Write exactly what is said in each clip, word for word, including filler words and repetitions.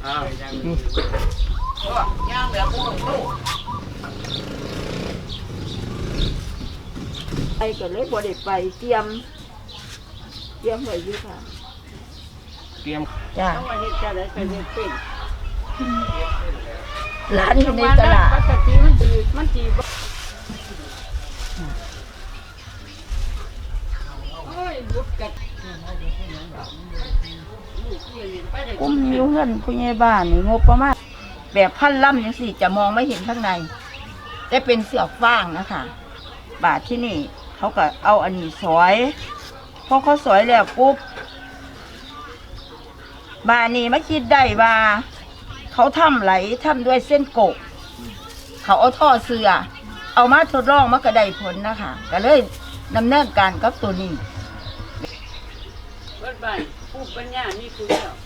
ย่างแบบลูกไปก็เลยบ่ได้ไปเตรียมเตรียมไว้อยู่ค่ะเตรียมจ้าต้องมาเฮ็ดจะได้ไปเฮ็ดเป็นร้านอยู่ในตลาดปกติมันดีมันดีโอ้ยบุกกัดกุ้มนิ้วเงินผู้ใหญ่บ้านนี่งบประมาณแบบพันล่ำยังสิจะมองไม่เห็นข้างในแต่เป็นเสือกฟางนะคะบาทที่นี่เขาก็เอาอันนี้สอยพอเขาสอยแล้วปุ๊บบานี่มาคิดได้ว่าเขาทำไหลทำด้วยเส้นโกะเขาเอาท่อเสือเอามาทดลองมากระไดผลนะคะก็เลยดำเนินการกับตัวนี้เบิดบ้านผู้ปัญญานี่คือแล้ว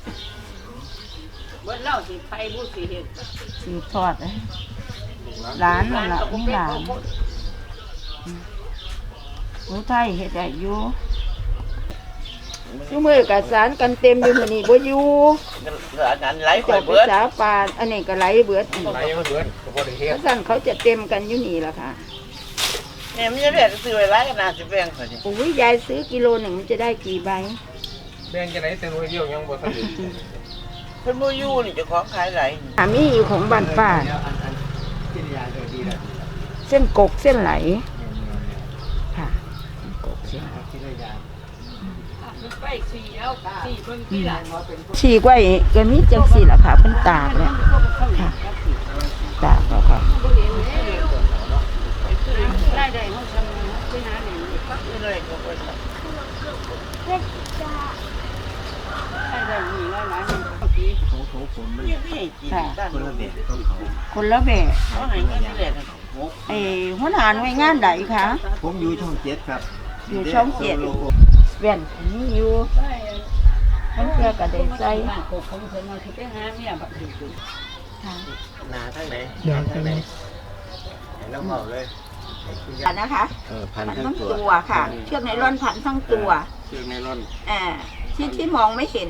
เบิดเล่าสิไปผู้สิเฮ็ดสืบทอดเลยร้านนั่นแหละนี่ร้านรู้ไทยเฮ็ดได้อยู่ชั่วมือกับสารกันเต็มอยู่มื้อนี้บ่อยู่อันนั้นไหลไปเจ้าเบิดภาษาปานอันนี้ก็ไหลเบิดไหลมาเบิดก็บ่ได้เฮ็ดสั่นเขาจะเต็มกันอยู่นี่ล่ะค่ะแม่มันจะได้ซื้อไว้หลายขนาดสิแบ่งเขาสิโอ้ยยายซื้อกิโลหนึ่งมันจะได้กี่ใบแบ่งจะได้แต่หน่วยเดียวยังบ่ทันได้เพิ่นบ่อยู่นี่เจ้าของขายไหลอ่ามีอยู่ของบ้านป้าเส้นกกเส้นไหลค่ะกกเส้นไปสี่เอาสี่เบิ่งที่หลังบ่เป็นฉีกไว้ก็มีจังซี่ล่ะค่ะเพิ่นตากเนี่ยค่ะตากแล้วค่ะได้ได้เฮาทำไปหาแหน่นี่ปักเลยก็บ่ได้ได้ได้นี่หลายๆนี่เมื่อกี้ของของผมมันนี่คนละแบบของเขาคนละแบบเขาให้เงินนี่แหละไอ้หัวหน้าหน่วยงานใดคะผมอยู่ช่องเจ็ดครับอยู่ช่องเจ็ดแว่นนี่อยู่มันเพื่อกระเด็นใจกบของเพิ่นมาสิไปหาเมียบัดนี้ค่ะหนาทั้งไหนหนาทั้งไหนแล้วเบาเลยนะคะพันทั้งตัวค่ะเชือกไนล่อนพันทั้งตัวเชือกไนล่อนอ่าที่ที่มองไม่เห็น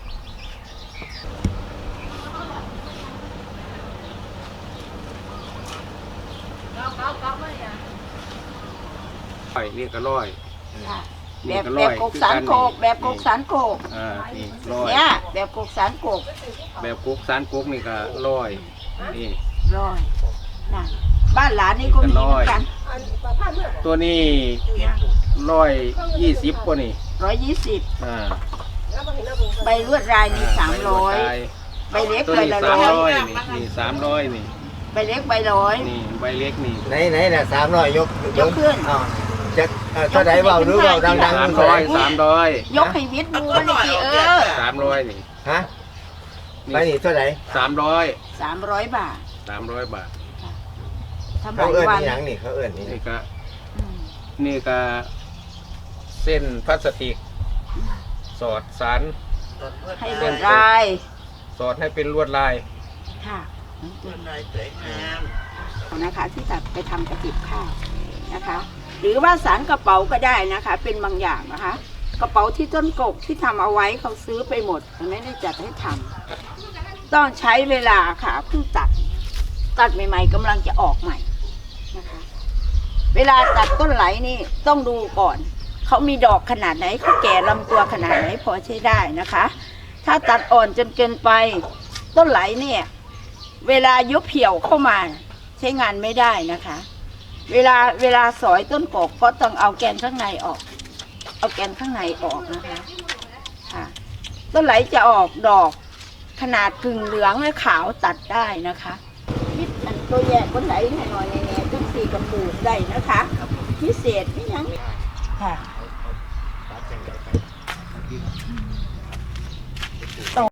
ร้อยนี่ก็ร้อยแบบแบบกกสารโกกแบบกกสารโกกอ่านี่ร้อยเนี่ยแบบกกสารโกกแบบกกสารโกกนี่ก็ร้อยนี่ร้อยนะบ้านหลานนี่ก็มีเหมือนกันตัวนี้ร้อยยี่สิบกว่านี่ร้อยยี่สิบอ่าใบลวดลายนี่สามร้อยใบเล็กใบละร้อยนี่สามร้อยนี่ใบเล็กใบร้อยนี่ใบเล็กนี่ไหนไหนน่ะสามร้อยยกยกขึ้นจะถ้าไหนเบาหรือเบาดังๆสามร้อยสามร้อยยกให้วิทย์ดูมันกี่เออสามร้อยนี่ฮะไปนี่เท่าไหร่สามร้อยสามร้อยบาทสามร้อยบาทเขาเอื้อนนี่ยังนี่เขาเอื้อนนี่นี่ก็นี่ก็เส้นพลาสติกสอดสารให้ลวดลายสอดให้เป็นลวดลายค่ะลวดลายสวยงามนะคะที่จะไปทำกระติบข้าวนะคะหรือว่าสารกระเป๋าก็ได้นะคะเป็นบางอย่างนะคะกระเป๋าที่ต้นกกที่ทำเอาไว้เขาซื้อไปหมดไม่ได้จัดให้ทำต้องใช้เวลาค่ะเพิ่งตัดตัดใหม่ๆกำลังจะออกใหม่นะคะเวลาตัดต้นไหลนี่ต้องดูก่อนเขามีดอกขนาดไหนเขาแก่ลำตัวขนาดไหนพอใช้ได้นะคะถ้าตัดอ่อนจนเกินไปต้นไหลเนี่ยเวลายุบเหี่ยวเข้ามาใช้งานไม่ได้นะคะเวลาเวลาสอยต้นกกก็ต้องเอาแกนข้างในออกเอาแกนข้างในออกนะคะค่ะต้นไหลจะออกดอกขนาดกึ่งเหลืองและขาวตัดได้นะคะนิดอันตัวแยกต้นไหลหน่อยๆเนี่ยต้นสีกระปูกได้นะคะพิเศษไม่ยังค่ะ